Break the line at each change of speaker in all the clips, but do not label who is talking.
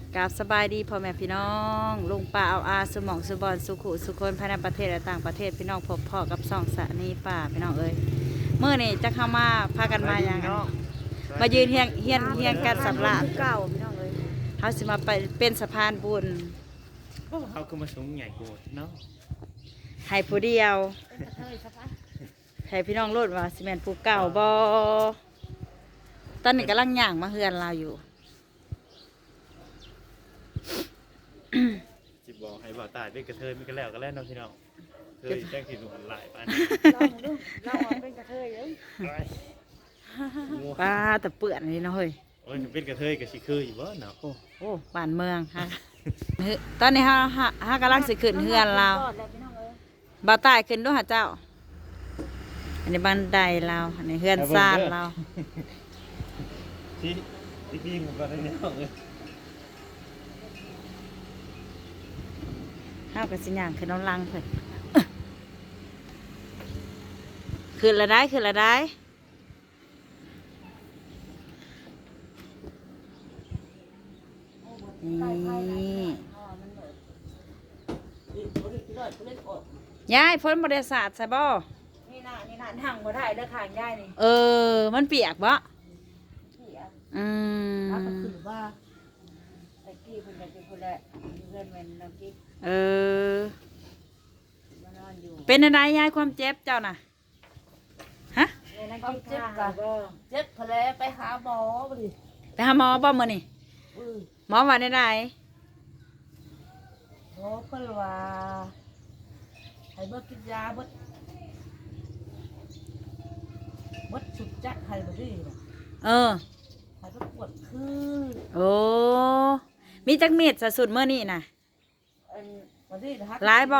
กราบสบายดีพ่อแม่พี่น้องลุงป่าเอาอาสมองสุบอนสุขุสุคนภายในประเทศและต่างประเทศพี่น้องพบพ่อกับสองสะนีป่าพี่น้องเอ้ยเมื่อนี่จะเข้ามาพากันมาอย่างกันมายืนเฮียงกันสำราญเก่าพี่น้องเอ้ยเขาสิมาไปเป็นสะพานบุญ
เขาคือมาสูงใหญ่กูเนาะ
ให้ผู้เดียวให้พี่น้องรู้ว่าสิแม่นผู้เก่าบ่ตอนนี้กำลังย่างมาเฮือนเราอยู่
จิบบอกให้บ่าวตายเป็นกระเทยมันก็แล้วก็แล้วน้องพี่น้องเคยแจ้งถิ่นหันหลายปาน
เราเป็นกระเทยเลย
ป้าแต่เปื่อนนี่เนาะเฮ้ย
โอ้ยเป็นกระเทยกับชิคืออยู่บ่เนาะ
โอ้บ้านเมืองฮะ ตอนนี้ฮากำลังสิขึ้นเฮือนเราบ่าวใต้ขึ้นด้วยหาเจ้า อันนี้บันไดเราอันนี้เฮือนซ่านเรา
ที่พี่ผมก็ได้เนี่ยเลย
เฮากับสิย่างขึ้นน้ำลังเพิ่น ขึ้นละได้ขึ้นละได้นี่ยายพ้นบริษัทใช่บ่
นี่น่ะนั่งบ่ได้เด้อข้างยายนี่
มันเปียกบ่
พี่อ่ะ
อืม
ถ้าก็คือว่าตะกี้เพิ่นก็สิพุ่นแหละเพื่อนแม่นน้ำกิ๊กมานอนอยู่
เป็นอะไรยายความเจ็บเจ้าน่ะฮะ
แม่น้ำกิ๊กเจ็บกะเจ็บพะแลไปหาหมอบ่ดิ
ไปหาหมอบ่มื้อนี่หมอว่าได้ได
หมอเพิ่นว่าให้เบิดกินยาเบิดสุดจัดให้บ่ดีน่ะ ให้ไปปวดคือ
โอ้มีจักเม็ดซะสุดมื้อนี้น่ะ
อันบ่ดีนะฮะ
หลายบ่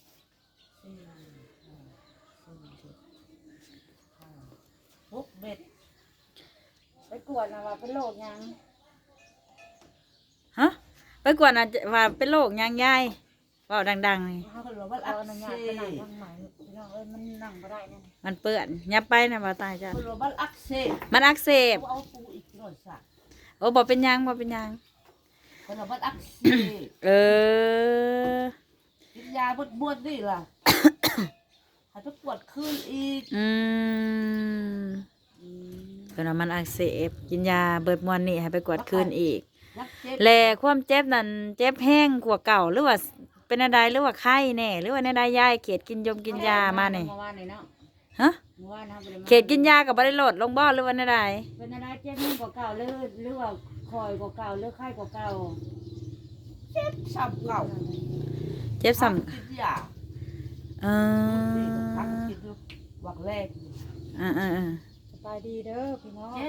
6 เม็ดไปกวดนะว่าเป็นโรคหยัง
ฮะไปกวดน่ะว่าเป็นโรคหยังยายเว้าดังๆนี่
เขาก็บอกว่าเอาหนังยาไปนั่งทางไหนพี่น้องเอ้ยมันนั่งบ่ได้นั่น
มันเปื้อนยับไปน่ะบ่ตายจ้ะ
เขาบอกว่าอักเสบ
มันอักเสบ
เขาเอาปูอีกหน่อยสัก
โอ้บ่เป็นหยังบ่เป็นหยัง
เขาบอกว่าอักเสบ
เออ
กินยาบวดนี่ล่ะให้ไปปวดคืนอีก
เพิ่นว่ามันอักเสบกินยาเบิดมวนนี่ให้ไปกวดคืนอีก
นักเจ็บ
แลความเจ็บนั่นเจ็บแห้งกว่าเก่าหรือว่าเป็นอะไรหรือว่าไข้แน่หรือว่าในใดยายเขตกินกินยามานี่
เมื่อวานนี่เนาะ
ฮะ
เมื่อวานนะบ่ได้มา
เขตกินยากับบ่ได้ลดลงบ่หรือว่าในใด
เป็นอะไรเจ็บแห้งกว่าเก่าหรือว่าคอยกว่าเก่าหรือไข้กว่าเก่าเจ็บซ้ำเก่า
เจ็บซ้ำ
กินยา
เอ
พัก
อ
กินอยู่วักแรก สบายดีเด้อพี่น้องเจ็บ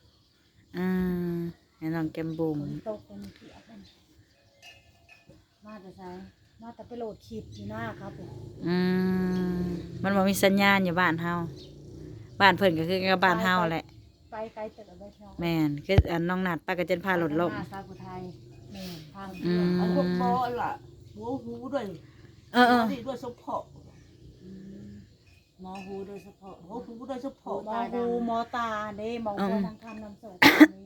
ให้น้องแก้มบุ๋ม
ฝนตกเป็นเปียกนั่นมาแต่ไสมาแต่ไปโหลดคลิปอยู่หน้าครับผม
มันบ่มีสัญญาณอยู่บ้านเฮาบ้านเพิ่นก็คือกับบ้านเฮาแหละ
ไปไกลแต่ละไปน้อง
แม่นคืออันน้องนัดป้าก็จนพาหลดลม
มาซากุไทยแม่นทาง
อันพวกหมอล่ะหัวหูด้วย นี่ด้วยสมพอ
หมอหูโดยเฉพาะ
หัวหูด้วยสมพอ
หมอหูหมอตาเด้หมอหูทางคำนำส่ง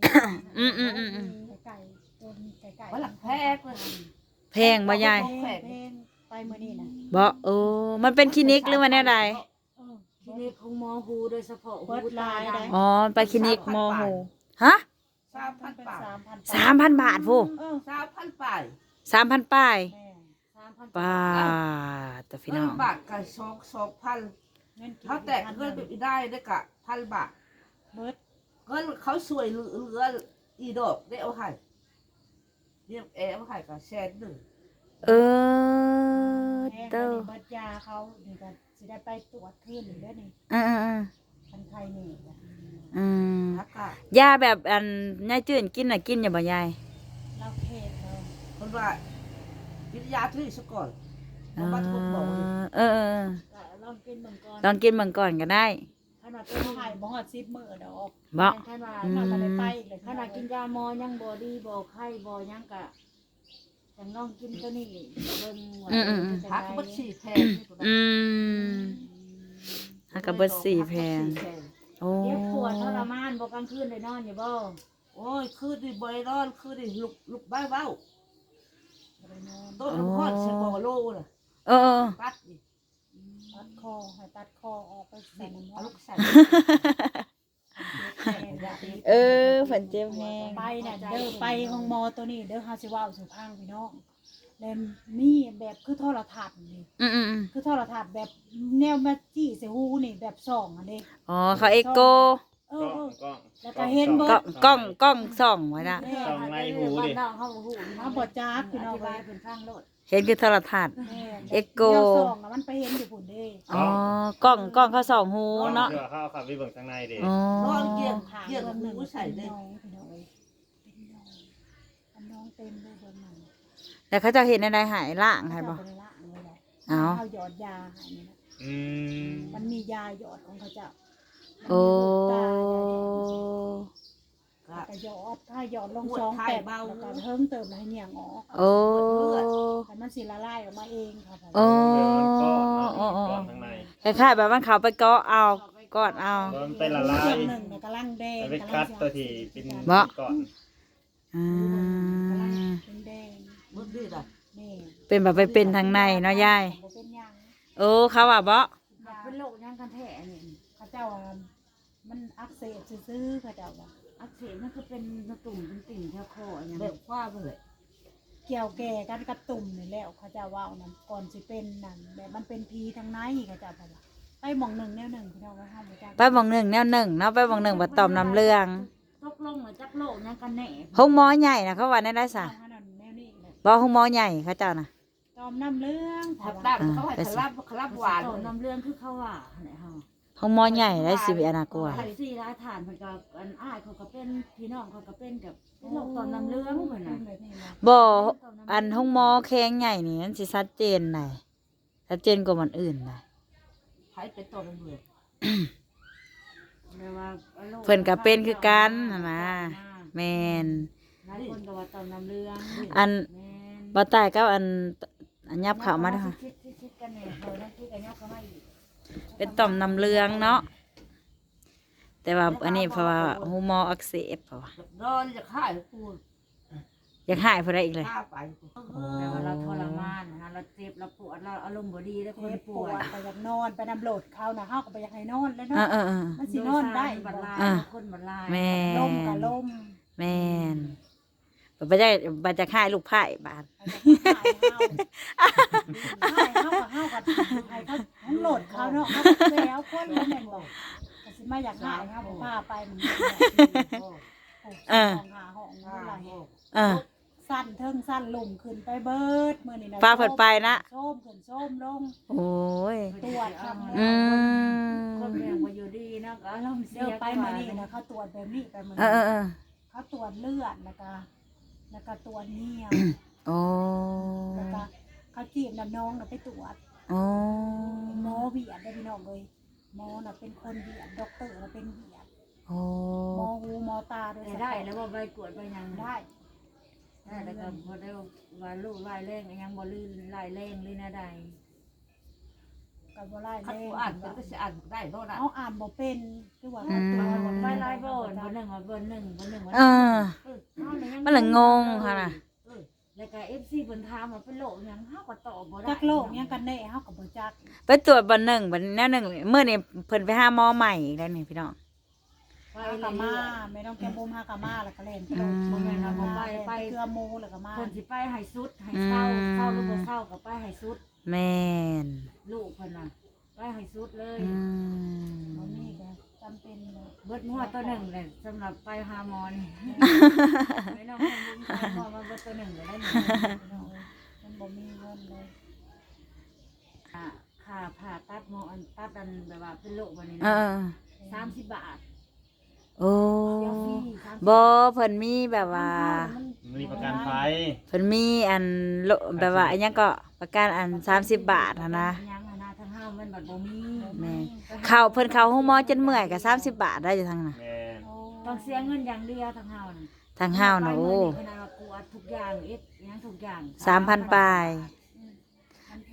ไก่ตัวไก่
ว่าหลักแพกเลย
แพงบ่ยาย
เพลงไปมื้อนี้นะ
บ่มันเป็นคลินิกหรือว่าแนวใด
คลินิกของหมอหูโดยเฉพาะหูตาได้
อ๋อไปคลินิกหมอหูฮะ
3,000 บาท
3,000 บาทผู้
3,000 บาท
3,000ป้าย
แม่3,000
ป้าแต่พี่น้อง
บาทกับ2,000
เงิน
เขาแตกเงินไปได้ได้กะ1,000 บาท
เบิด
เงินเขาสวยเหลืออีดอกได้เอาให้เรียกเอาให้กับ100,000
เออ
แม่
เต้า
เบิดยาเขานี่ก็สิได้ไปตรวจคืนอีกเด้อนี่
อืม
คันไทยนี่นะ
ทักกะ
ยาแบบอันยายจื่นกินน่ะกินอย่าบ่ยาย
เราเขตเรา
คนว่ากินยาที่ซะก่อนบ่มาทุกบอกเลย
ก็ลองกินเบิ่งก่อน
ลองกินเบิ่งก่อนก็ได้
ขนาดเป็นไข่บ่ฮอด10มื้อดอก
บ่
ขนาดเราบ่ได้ไปเลยขนาดกินยาหมอยังบ่ดีบ่ไข้บ่ยังก็จังลองกินตัวนี้เบิ่งว่า
ทักบัด4แพง
ฮักกับเบิด4แพงโอ้
เจ็บปวดทรมานบ่กลางคืนได้นอนอยู่บ่
โอ้ยคือดิบริโนอนคือดิลุกบ้าเบ้า
บ่ได้นอน
ต้นน้ำข้อนเชฟโลน่ะ
เออ
ปัดดิ
ตัดคอให้ตัดคอออกไปใส่น้ำ
เอา
มัน
ลูกใส่
เออฝันเจ็บแฮง
ไปน่ะเด้อไปห้องหมอตัวนี้เด้อเฮาสิเว้าสู่พังพี่น้องแล้วมีแบบคือโทรทัศน์นี่
อืม
คือโทรทัศน์แบบแนวมาจี้ใส่หูนี่แบบส่องอันนี้
อ๋อเขาเอ็กโก
เอ
ก็
อ
ก็
แล้วก็เห็นเบิ
ก็
ด
กล้องส่องไว้นะ
ส่องในหูดิ
มาบ่จักพี่น้อง
ไป
เอ้ย
เป็นข้างรถ
เห็นคือโทรทัศน์
แม่
เอ็กโก
แนวส่องน่ะมันไปเห็นอยู่พุ่นเด้
อ๋อกล้องเขาส่องหูเนาะ
เชื่อเข้าขับไปเบิ่งข้างในดิ
อ๋อน
อนเกี่ยง
ทาง
เกี่ยง
เบื้องห
หู
นึ่ง
ใส่เลย
พี่น้องเอ้ยเป็นน้องอันน้องเต็มเลยเบื้องหนึ่ง
แต่เขาจะเห็นในใดหายล่างใช่ปะ
เจ้าบ่ได้ละเลยแหละ
เอา
เขาหยอดยาให้นี่นะ
อืม
มันมียาหยอดของเขาเจ้า
โอ้
มันมีลูกตายาหยอดแล้วก็หยอดลงซองแปดแล้วก็เพิ่มเติมให้เหนียงออก
โอ้
แต่มันสิละลายออกมาเองค่ะผม
โอ้
เดี๋ยวมันก็เนาะก่อนข้างใน
คล้ายๆแบบมันเขาไปเกาะเอากอดเอา
มันไปละลาย
เครื่องหนึ่งเนี่ยกำลังแดง
แล้วไปคัดตัวที่เป็น
บ่
ก่อน
อืม
เป็นแดง
มึงดิล่ะ
นี่
เป็นแบบไปเป็นทางในเนาะยาย
บ่เป็นหยัง
โอ้เขาว่าบ่
เป็นโรคยังกันแท้นี่เขาเจ้าว่ามันอักเสบซื่อๆเขาเจ้าว่า
อักเสบนั่นคือเป็นตุ่มเป็นติ่งแถวคออย่าง
แบบว่าไปเลย
เกี่ยวแก่กันกระตุ่มนี่แหล้วเขาเจ้าว่าเอานั่นก่อนสิเป็นนั่นแบบมันเป็นพีทางในเขาเจ้าว่าไปหม่องหนึ่งแนวหนึ่งพี่น้องว่าห้ามบ่จัก
ไปบองหนึ่งแนวหนึ่งเนาะไปบองหนึ่งบัดตอมน้ำเรื่อง
ตกลงมาจากโลกนั่นกันแน่
ห้องหมอใหญ่นะเขาว่าได้สะ
เอานั่นแนวนี้เลย
บ่ห้องหมอใหญ่เขาเจ้านะ
ตอมน้ำเรื่อง
ทับด้านเขาให้คลับหวาน
ต่อน้ำเรื่องคือเขาว่าไหนเฮา
ห้องหมอใหญ่ได้สิบอนากลัว
ไข่สี่ร้ายฐานเพิ่นก็อันอ้ายเขาก็เป็นพี่น้องเขาก็เป็นกับโรคต่อมน้ำเรื่องเพิ่นน่ะ
แบบนี้นะ
บ่อันห้องหมอแข้งใหญ่นี่มันสิชัดเจนหน่อยชัดเจนกว่ามันอื่นหน่อย
ใช้เป็นตัวเป็นเบือ
แปลว่าโรค
เพิ่นก็เป็นคือกันน่ะนะแม่น
หลายคนก็ว่าต่อมน้ำเรื่อง
อัน
แม่น
บ่ตายก็อันยับเข้ามาเด้อค่ะ
คิดกันเนี่ยเขาได้คิดกันยับเข้ามาอีก
เป็นต่อมน้ำเหลืองเนาะแต่ว่าอันนี้เพราะว่าหูหมออักเสบเพราะว่า
นอนจะฆ่ากู
อยากหายเพราะอะไรอีกเลย
ฆ่าไป
แปลว่าเราทรมานนะเราเจ็บเราปวดเราอารมณ์บ่ดีแล้วคน
เจ็บป
ป่
ว
ว
ด
ย
ไปอยากนอนไปนำโหลดเขานะเฮาก็ไปอยากให้นอนแล้ว
เอ
เนาะ
อ
มันสินอนได้
บัดลาย
อ่ะ
คนบัดลาย
แม่
ลมกับลม
แม่นบ่ได้บ่จะหายลูกไผ่บาด
ให้เฮากับเฮากับให้เขาทั้งโหลดเขาเนาะเขาก็แล้วคนแล้วแม่นบอกก็สิมาอยากหายเฮาบ่พาไปมันห้องหาห้องนี่ล่ะ
เออ
สั้นเทิงสั้นลุ่มขึ้นไปเบิดมื้อนี้นะ
พาเพิ่นไปนะ
ส้มขึ้นส้มลง
โอ้ย
ตรวจครับ
อืม
คนแม่บ่อยู่ดีเนาะก็อารมณ์เสี
เดี๋ย
ยว
ไปมื้อนี้นะเขาตรวจแบบนี้ไปมื้อ
เอ
นี้
อ
เขาตรวจเลือดแล้วก็ตรวจเนีย
โอ้
แล้วก็เขาจีบน้ำน้องน่ะไปตรวจ
โอ้
หมอเวียดได้พี่น้องเลยหมอน่ะเป็นคนเวียดด็อกเตอร์น่ะเป็นเวียด
โอ้
หมอหูหมอตาโดย
แต่ได้แล้วบ่ไปกวดไปหยัง
ได้
ได้แล้วก็บ่ได้ว่าลูกลายแรงยังบ่ลื่นลายแรงเลยนะใด
กับบ่ไล่
ขัด
แม่
กูอ่านเป็นก็จะอ่านได้โน่นน่ะ
เอาอ่านบ่เป็นคือว่า
ไปลายบ่บ่หนึ่งว่าบ่หนึ่งบ่หนึ่งว่า
เออ มันละงงค่ะน่ะ
แล้วก็ FC เพิ่นถามว่าเป็นโรคหยังเฮาก็ตอบบ่ได้
จักโลกยังกันแน่เฮาก็บ่จัก
ไปตรวจบันหนึ่งบันแนวหนึ่งเมื่อนี่เพิ่นไปหาหมอใหม่อีกแล้วนี่พี่น้อง
ไป
เฮา
เล
ก็
ย
มาแม่น้องแก้มบุ้มเฮาก็มาแล้วก็เล่นไปโลด
อืม
บ่แม่นว่าบ่ไปเกลือหมูแล้วก็มา
เพิ่นสิไปให้สุดให้เศร้าเศร้าหรือบ่เศร้าก็ไปให้สุด
แม่น
ลูกเพิ่นน่ะไปให้สุดเลย
อืม
บ่มีก็จำเป็นเลย
เบิดหัวตัวหนึ่งเลยสำหรับไปหาหมอนี่ไม่ต้องให้ลุงไปหมอมาเบิดตัวหนึ่งก็ได้หนึ่ง
พี่น้องเอ้ยมันบ่มีเงินเลย
ค่าผ่าตัดหมออันตัดอันแบบว่าเป็นโรควันนี้
เอ
นะ
อ
30 บาท
โอ้
เดี๋ยวฟรี
บ่เพิ่นมีแบบว่า
มีประกันภัย
เพิ่นมีอันโลแบบว่าอันยังก็ประกันอัน30 บาทหั้นนะ
ยังหั้นนะทางห้ามันบัดบ่มี
แม่เข้าเพิ่นเข้าห้องหมอจนเมื่อยก็30 บาทได้อยู่ทางน่ะ
แม่น
ต้องเสียเงินอย่างเดียวทางห้าน่ะ
ทางห้าวน่ะโอ้
ขนาดว่ากวดทุกอย่างเอ็ดยังทุกอย่าง
3,000ปลาย
มันแพ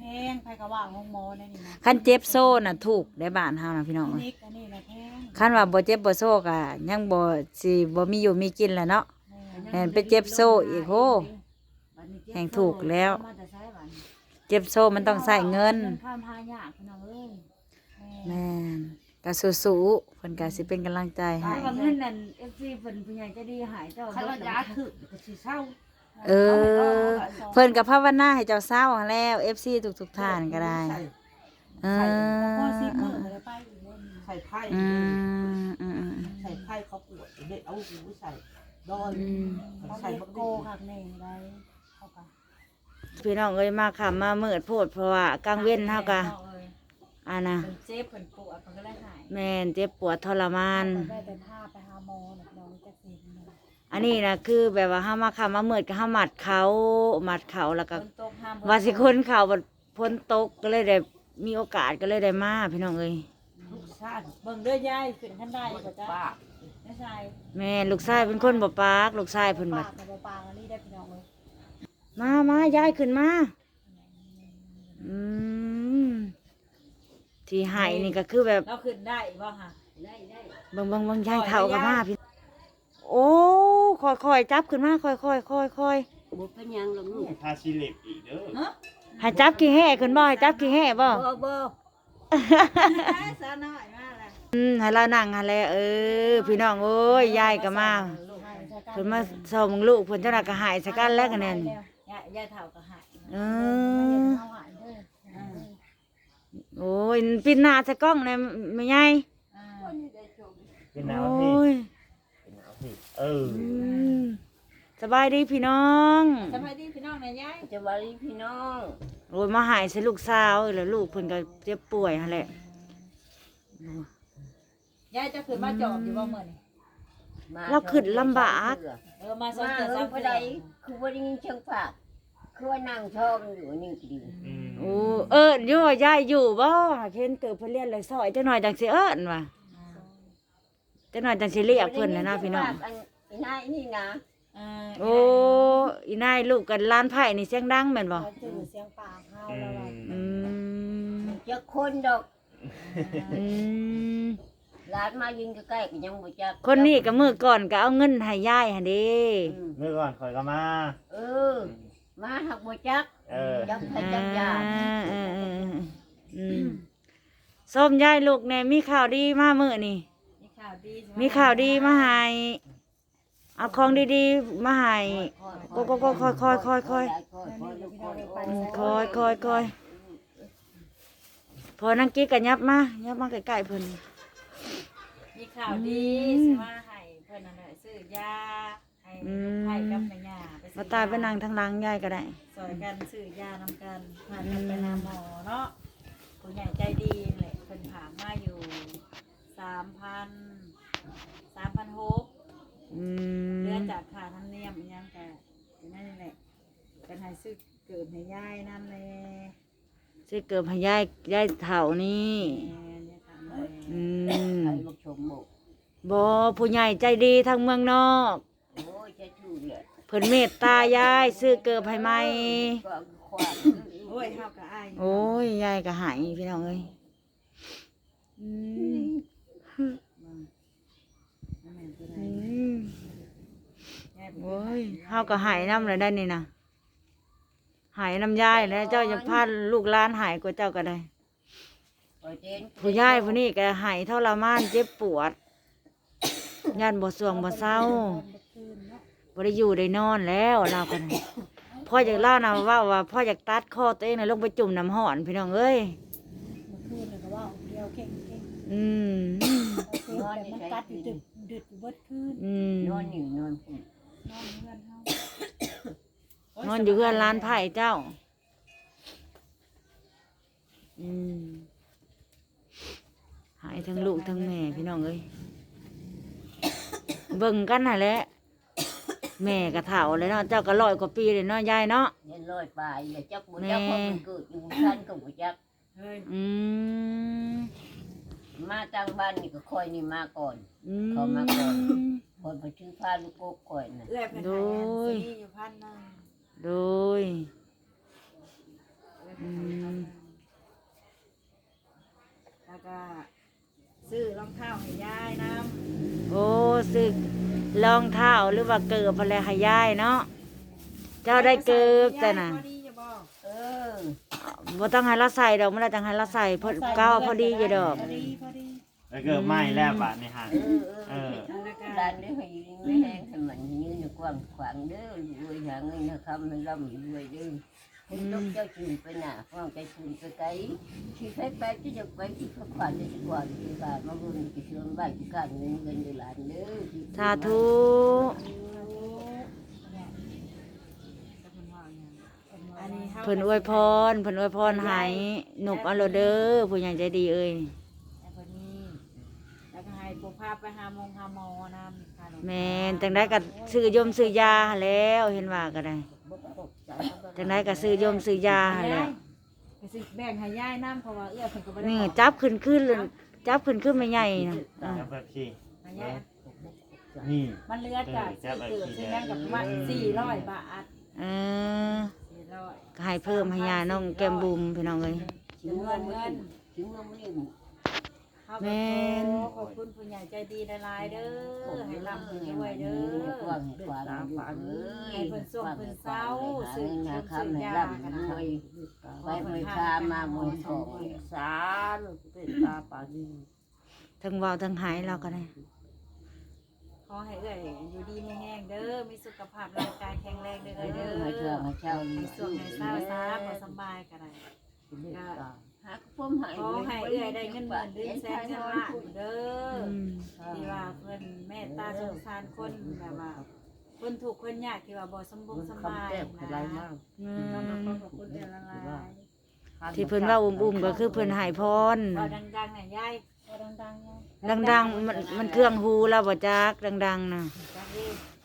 งไผก็ว่าของหมอในนี่นะ
คันเจ็บโซ่น่ะถูกได้บ้านเฮานะพี่น้อง
อัน
เอ้ย
นี้อันนี้นะแพง
คันว่าบ่เจ็บบ่โซ่ก็ยังบ่สิบ่มีอยู่มีกินแหล้วเนาะ
แม่
แม่นไปเจ็บโซ่อีกโหแห่งถูกแล้ว
มาแต่ใช้บัดนี้
เจ็บโซ่มันต้องใช้เงิน
ข้ามหายากพี่น้องเอ้ย
แม่
แม่นก็สู้ๆเพิ่นก็สิเป็นกำลังใจให้
ถ้าว่าเงินนั่น FC เพิ่นผู้ใหญ่ใจะดีหายเจ้า
คันว่ายาถึกก็สิเศร้า
เออ เพิ่นก็ภาวนาให้เจ้าเศร้าหั้นแล้ว FC ทุกๆท่านก็ได้
ใส่
เอ
พอ
อ
10มื้อก็ได้ไปอีกแล้วนี่
ใส่ไพ่
อืมอืมอืม
ใส่ไพ่เขาปวดเด็กเอาหูใส่ดอน
อืม
เขา
ใส่
เรีย
บั
ก
ก
โก
โก้
คักแน่ได้เขาก็
พี่น้องเอ้ยมาค่ำมามืดโพดเพราะว่ากลางเว้นเฮาก็อันน่ะ
เพิ่นเจ็บเพิ่นปวดเพิ่นก็เลยหาย
แม่นเจ็บปวดทรมาน
ได้แต่พาไปหาหมอน่ะน้องจักสิเนาะ
อันนี้นะคือแบบว่าห้ามาค่ำมามืดก็ห้ามัดเขาแล้วก็
ฝนตกห้าม
ว่าสิคนเขาบัดพ้นตกก็เลยได้มีโอกาสก็เลยได้มาพี่น้องเอ้ย
ลูกชาติ
เบิ่งเด้อยายขึ้นคันได้ก็จ้ะ
ป้า
ไม่ใช่
แม่ลูกชายเป็นคนบ่ปากลูกชายเพิ่นบัด
ปากกับบ่ปากอันนี้ได้พี่น้องเอ้ย
มายายขึ้นมาอืมที่ให้นี่ก็คือแบบ
เราขึ้นได้บ่ฮะ
เบิ่งยายเฒ่ากับมาพี่โอ้ค่อยๆจับขึ้นมาค่อยๆค่อย
บ่เป็นหยังหรอกลูก
ทาชิเล็บอีกเด้อ
ๆให้จับขี้แห่ขึ้นบ่ให้จับขี้แห่บ่
บ่
สาวน้อยมาแล้ว
ให้เรานั่งหั่นแหละพี่น้องเอ้ยยายก็มาเพิ่นมาส่งลูกเพิ่นเจ้าน่ะก็หายซะกันแล้วกันนั่น
ยายเฒ่าก็หาย
เออ
เอาหายเด้อ
โอ้ยปิดหน้าใส่กล้องเลยไม่ใหญ่
เป็นหนาว
โอ้
พี่
ย
เป็นหนาวพี่เออ
มสบายดีพี่น้อง
สบายดีพี่น้องนะยาย
จะบาลีพี่น้อง
โอ้ยมาหายใส่ลูกสาวแล้วลูกเพิ่นก็เจ็บป่วยหั่นแหละ
ยายจะขึ้นมาจอบอยู่บ่มื้อนี้
มา
เราขึ้นลำบาก
มาสอง
มา
เดือน
เออ
สาม
บ่
เดือ
ได้
น
คือบ่ได้ยินเสียงฝากคือว่านั่งชอบอยู่นี่ก็ดี
อืม
โอ้อยู่ยายอยู่บ่เห็นเกิดเพิ่นเรียนเลยซอยจักหน่อยจังสิเอิ้นว่ะจักหน่อยจังสิเรียกเพิ่นน่ะนะพี่น้อง
ไอ้นายนี่นะ
โอ้อีนายลูกกันล้านไผ่นี่เสียงดังแม่นบ่
เขาจื้อเสียงปากเฮา
อื
แล้วว่า
ม
อืม
จะคนดอก
อืม
หลานมายิงใกล้ๆก็ยังบ่จัก
คนนี้ก็มื้อก่อนก็เอาเงินให้ยายหั่นเด้
อืม
เมื่อก่อนข่อยก็มา
เออ มาหักบ่จัก
เออ
จักให้จักยา
อืมส้มยายลูกเนี่ยมีข่าวดีมามื้อนี่
มีข่าวดี
มีข่าวดีมาให้เอาของดีๆมาให้ก็ค่อยพอนังกี้ก็ยับมาใกล้ๆเพิ่น
มีข่าวดีสิมาให้เพิ่นนั่นแหละซื้อยาให้ให้กับแม่ย่าไปซื้
มาตายไปนั่งทางหลังยายก็ได้
ซอยกันซื้อยานำกันพากันไปหาหมอเนาะผู้ใหญ่ใจดีแหละเพิ่นถามมาอยู่3,600
อืม
เดือนจากค่าธรรมเนียมอิหยังก็อยู่นั่นแหละเป็นให้ซื้อเกิดให้ยายนั่นแหละ
สิเกิดให้ยายเฒ่านี่
เนี่ยถามเลย
อืม
ใครมาชมบ่
บ่ผู้ใหญ่ใจดีทางเมืองนอก
โอ้ยจะชูเลย
เพิ่นเมตตายายซื้อเกิดให้ใหม่
ก็ควาน
โอ้ยเฮาก็อาย
โอ้ยยายก็หายพี่น้องเอ้ยอืม
นั่นแม่นคือ
อื
ได้
ม
ยายเป็น
โอ้ยเฮาก็หายน้ำเลยได้นี่นะหายน้ำยายแล้วเจ้าจะพาลูกหลานหายกว่าเจ้าก็ได้ ผู้ยายผู้นี้ก็หายทรมานเจ็บปวดย่านบ่สวงบ่เศร้าบ่ได้อยู่ได้นอนแล้วเรากันพ่ออยากเล่านะว่าพ่ออยากตัดคอตัวเองน่ะลงไปจุ่มน้ำห้อนพี่น้องเอ้ย
เมื่อคืนเลยก็ว่าเดียวเก่ง
อืม
ๆเอาเก่งแต่มันกัดอยู่ดึดอยู่เบิดคืน
อืม
นอนอยู่นอนพุ่น
นอนเพื่อนเฮาน
อนอยู่เพื่อนร้านไผ่เจ้า อืมหายทั้งลูกทั้งแม่พี่น้องเอ้ยเบิ่งกันน่ะแหละแม่ก็เฒ่าเลยเนาะเจ้าก็100 กว่าปีเลยเนาะยายเนาะ
ยันลอยไปอย่าจักบ่จักเพราะมันเกิดอยู่ชั้นก็บ่จัก
เฮ้ย
อืม
มาตั้งบ้านนี่ก็คอยนี่มาก่อน
อืม
เขามาก่อน คนไปชื่อพาลูกโกกก่อนน่ะ
เอื้อยเพิ่นให้อันซีอยู่1,000นึง
โดยอืม
ซื้อรองเท้าให้ยายน้
โอ้สึกรองเท้าหรือว่าเกิบอะไรให้ยายเนาะเจ้าได้เกิบแต่น่ะ
พอดีจะบอก
เออ
บ่ต้องให้เราใส่ดอกมันละจังให้เราใส่พอเก้าพอดีอยู่ดอก
พอดีพอดี
แล้วก็ไหม้แล้วบาดนี่ฮะ
เออร้านนี้ให้ยืนไม่แห้งให้มันยืนกว้างขวางเด้อรวยหาเงินหาคำให้ร่ำรวยเด้อให้ต้องเจ้าจูนไปหน้าฟังใจจูนไปไกลที่ไปที่จะไปที่เขาขวัญจะกว่าที่บ้านมาบุญที่ชวนบ้านที่การเงินเงินเดือนหลานเด้อ
สาธุ
อันนี้เฮา
เพิ่นอวยพรให้หนุบเอาโลเด้อผู้ใหญ่ใจดีเอ้ย
แล้วพอดีแล้วก็ให้ผู้พาไปหาหมอนำ
แม่นจังได้ก็ซื้อยมซื้อยาหั้นแล้วเห็นว่าก็ได้จังได้ก็ซื้อยมซื้อยาหั้นแหล้ว
ก็สิแบ่งให้ยายน้ำเพราะว่าเอื้อเพิ่นก็บ่ได้
นี่
บอก
จับขึ้นเลยจับขึ้นไม่ใหญ่นะอ่ะ
แล้วแบบที่
ให้ยาย
นี่
มันเหลือจากซื้อเกือบซื้อยังกับประมาณ400 บาท
เออ
400
ก็ให้เพิ่มให้ยาน้องแก้มบุ๋มพี่น้องเอ้ย
ถึงเงินถึงเงินไม่
เฮาก็ขอบคุณผู้ใหญ่ใจดีหลายๆเด้อให้ร่ำให้รวยเด้อ
กว้างขวางอยู่เอ้ย
ให้เพิ่นส่งเพิ่นเซาซื้อ
หา
เครื่องซื้
คำให้
อยา
ร่ำ
กัน
ร
นะ
วยไปไปพามาบนของสารเป็นตาปาดี
ทั้งเว้าทั้งหายเราก็ได้
ขอให้เอื้อยอยู่ดีมีแห้งเด้อมีสุขภาพร่างกายแข็งแรงเด้อเด้อ
ให้เชื่อให้เช่า
ให้สวงให้เศร้าซาบ่สำบายก็ได้
หาพุ่มหาย
ขอให้เอื้อยได้เงินหมื่นเดือนแสนเงินล้านเด้อ
อืม
ที่ว่าเพิ่นเมตตาสงสารคนแบบว่าคนถูกข์คนยากที่ว่าบ่สมบูรณ์สมบาย
คำแก้มอะไร
นะ
มาก
อื
ขอบ
ม
คุณเดือนละลาย
ที่เพิ่นว่าอุ้มๆก็คือเพิ่นให้พร
บ่ดังๆน่ะยาย
พอดังๆเนี่ย
ดังๆมันเครื่องหูเราบ่จักดังๆน่ะ
จังดี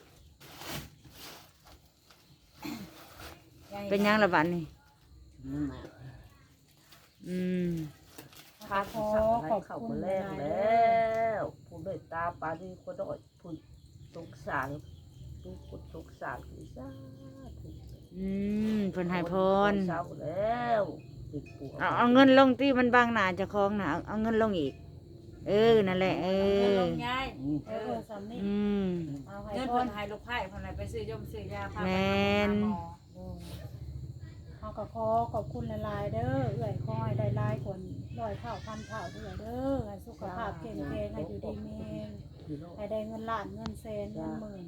ยาย
เป็นหยังละบัดนี่
มา
อืม
ขอขอบคุณ
แร
ห
ก
ลายๆ
แล
เด้อ้
วผู้เมตตาปาดีคนดอยผู้สงสารผู้คนสงสารคือซา
อืมเพิ่นให้พร
เศร้าแล้วติดปัว
เอาเงินลงที่มันบางหน้าเจ้าของน่ะเอาเงินลงอีก เออนั่นแหละเอ
เงิน
อ
ลงยาย
เออสำนี่
อืม
เอาให้
เงิน
ค
เพิ่
น
นให้ลูกไผ่เพิ่นให้ไปซื้อยมซื้อยาพาไป
แม่น
หาหมอ
เอาก็ขอบคุณหลายๆเด้อเอื้อยคอยได้หลายคน100เท่าพันเท่าเด้อเด้อให้สุขภาพเข้มแข็งให้อยู่ดีมีแรงให้ได้เงินล้านเงินแสนเงินหมื่น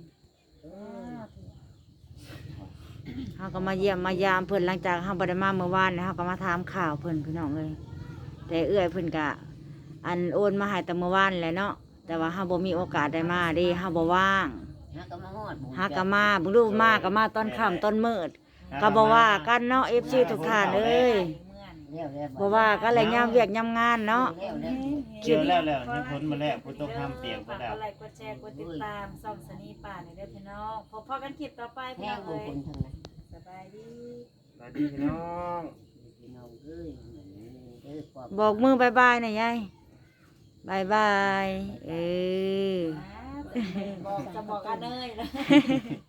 เฮาก็มาเยี่ยมมายามเพิ่นหลังจากเฮาบ่ได้มาเมื่อวานเฮาก็มาถามข่าวเพิ่นพี่น้องเอ้ยแต่เอื้อยเพิ่นก็อันโอนมาให้แต่เมื่อวานแหละเนาะแต่ว่าเฮาบ่มีโอกาสได้มาเด้เฮาบ่ว่าง
หากมาฮอด
หาก็มาเบิ่งดูมาก็มาตอนค่ำตอนมืดก็บ่ว่ากันเนาะ FC ทุกท่านเอ้ยบ่ว่ากันแหละยามเวียกยามงานเนาะ
เกี่ยวแล้วให้พ้นมาแล้วผู้ต้องห้ามเปียก
ฝา
บ่
ก
แล้ว
กดไลค์กดแชร์กดติดตามส่องสนีป่าในเด้อพี่น้องพบกันคลิปต่อไปพี่
แห้
น้อง ง
บุ
เอ้
ค
ย
คลทางนั้น
สบายดี
สวัสดีพี่น้อง
พี่น้องเอ้ยเด้อปอบ
บอกมือบายบายหน่อยยายบายบาย เออ
บอกจะบอกกันเลยนะ